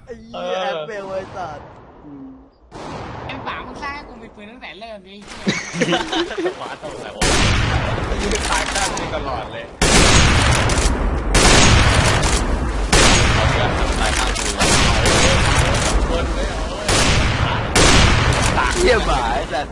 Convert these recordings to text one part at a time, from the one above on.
ไอ้เหี้ยแอปเปิลไอ้สัตว์ M3มึงสร้างให้กูมีปืนตั้งแต่เริ่มดิหมาตัวไหนวะยืนตายข้างนี้ตลอดเลยเอาเพื่อนตายข้างกูคนเลยตากเหี้ยหมาไอ้สัตว์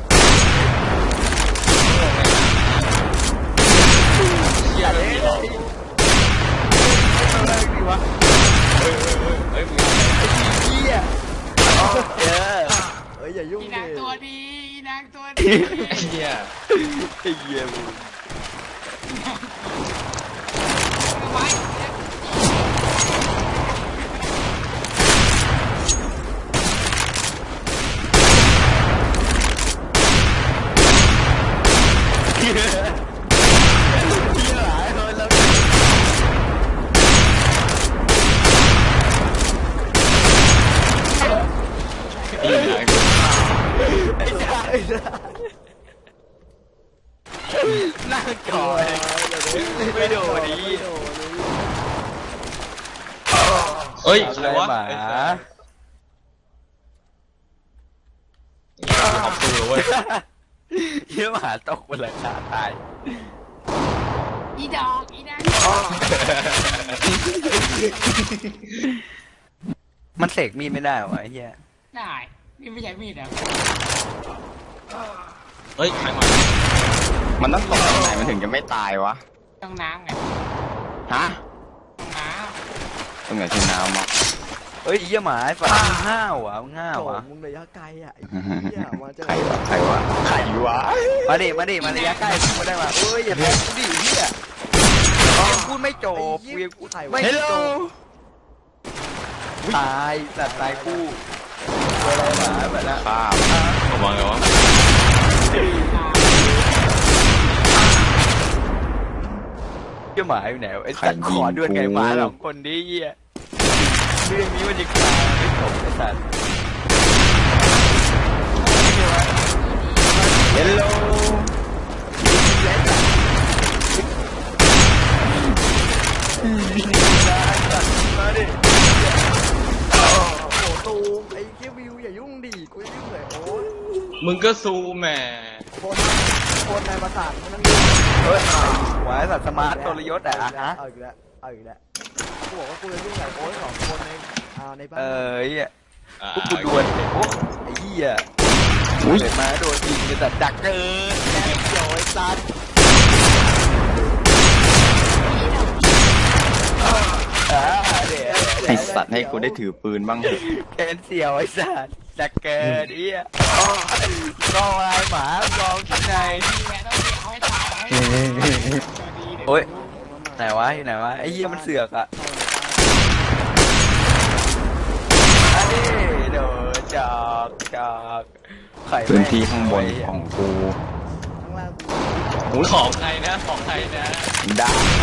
เหี้ยเลยหรออะไรดีวะเฮ้ยมึงเหี้ยเออเฮ้ยอย่ายุ่งอีดินางตัวดีอีนางตัวดีไอ้เหี้ยไอ้เหี้ยมึงเอาไว้เหี้ยหายเลยแล้วอีหนังไอ้สัตว์ไอ้สัตว์นั่งจ่อยไม่โดนดิไม่โดนเลยเฮ้ยอะใครไรวะหมาขอบคุณเลยเว้ยเหี้ยหมาตกบนหลังคาตายอีดอกอีนางมันเสกมีดไม่ได้เหรอวะไอ้เหี้ยได้นี่ไม่ใช่มีดเหรอเฮ้ยใครมามันต้องตกตรงไหนมันถึงจะไม่ตายวะต้องน้ำไงฮะต้องน้ตรงไหนที่น้ำอ่ะเฮ้ยไอ้เหี้ยหมาไอ้ฝันมึงห้าวะมึงห้าโถวะมึงระยะไกลอ่ะไอ้เหี้ยมาเจอใครวะใครวะใครวะมาดิมาระยะใกล้พูดมาได้มาเอ้ยอย่าแพ้กูดิเหี้ยยังพูดไม่จบกูยังพูดไม่จบตายสัตว์ตายคู่ตัวอะไรหมาแบบนั้นข้ามระวังเลยวะเหี้ยหมาอยู่ไหนวะไอ้สัตว์ขอด้วยไงหมาสองคนดิเหี้ยเรื่องนี้มันจะคลายไม่จบไอ้สัตว์เฮลโลมาดิโอ้โหตูมไอ้เหี้ยวิวอย่ายุ่งดิกูจะยุ่งเลยโอ้ยมึงก็ซูแหมคนในประสาทมันนั่งเฮ้ยหวายสัตว์สมาร์ทตัวยศอะฮะเอาอีกแล้วเอาอีกแล้วกูบอกว่ากูจะยุ่งกับโอ้ยสองคนในบ้านเหี้ยพวกกูดวลโอ้ไอ้เหี้ยเกิดมาโดนยิงกันแต่ดักเกินแกเกี่ยวไอ้สัตว์เดี๋ยวไอสัตว์ให้กูได้ถือปืนบ้างเถอะแกนเสี่ยวไอ้สัตว์ดักเกินเหี้ยรออะไรหมาลองที่ไหนำนี่แหละต้องเอาให้ตายเอาให้ตายตัวดีเดี๋ยวโอ้ยไหนวะอยู่ไหนวะไอ้เหี้ยมันเสือกอะอันนี้เดี๋ยวจอกไข่พื้นที่ข้างบนของกูข้างล่างกูหูของใครนะของใครนะได้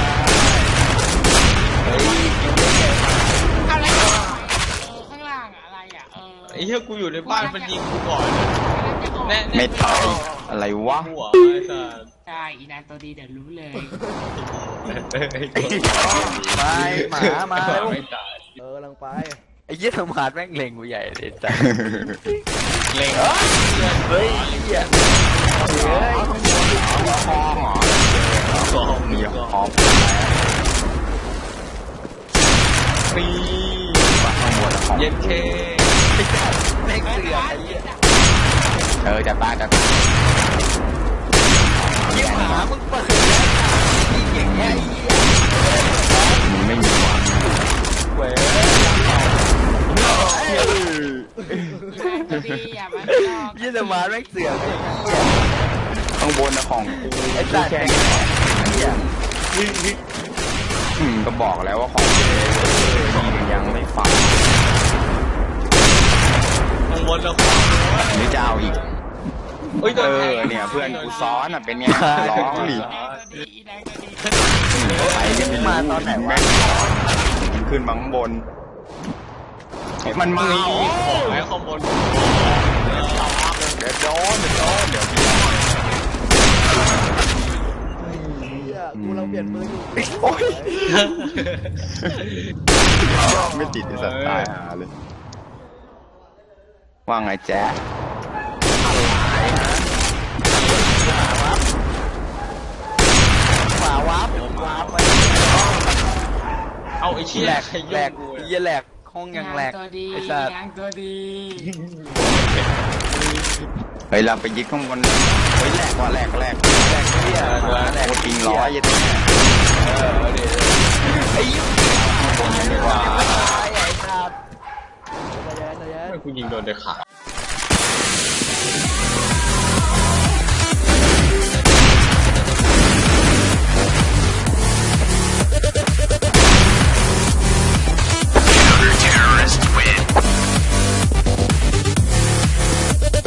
เฮ้ยอะไรอ่ะข้างล่างอะอะไรอ่ะไอ้เหี้ยกูอยู่ในบ้านมันยิงกูก่อนแน่ไม่ตายอะไรวะหัวไอ้สัสใช่อีนางตัวดีเดี๋ยวรู้เลยมาแล้วไม่ตายกำลังไปไอ้เหี้ยสมาร์ทแม่งเล็งกูใหญ่เลยจ้ะเล็งเฮ้ยเหี้ยเฮ้ยคอหรอสองมีคอมปีข้างบนของเย็นเคแม่งเสือกไอ้เหี้ยจะตายจะตายเหี้ยหมามึงเปิดแล้วยิงอย่างเงี้ยไอ้เหี้ยมึงไม่มีวะเว้ยอีนางตัวดีอย่ามาลอกเหี้ยสมาร์ทแม่งเสือกไอ้เหี้ยข้างบนนะของกูไอ้สัตว์แค่แม่งเหี้ยก็บอกแล้วว่าของกูยังไม่ฟังข้างบนแล้วของหรือจะเอาอีกเฮ้ยเนี่ยเพื่อนกูซ้อนอ่ะเป็นไงร้องดิอีนางตัวดีอีนางตัวดีใครจะไปรู้มาตอนไหนวะมันขึ้นมาข้างบนเฮ้ยมันมามีของไอ้ข้างบนเดี๋ยวโดนเดี๋ยวเหี้ยกูกำลังเปลี่ยนมืออยู่ไม่ติดไอ้สัตว์ตายหาเลยว่าไงแจ๊ะขวาวับไปเอาไอ้เชี่ยแหลกใครแหลยุ่กงกูเหี้ยแหลกห้องยังแหลกตัวดีไอ้สัตว์ยางตัวดีเฮ้ยเราไปยึดข้างบนเลยเฮ้ยแหลกว่ะแหลกแหลกเหี้ยแหลกโอ้ปิงร้อยยังไงไอ้ยุ่งคนดีกว่าไอ้สัตว์ใจเย็นใจเย็นทำไมกูยิงโดนเด็กขา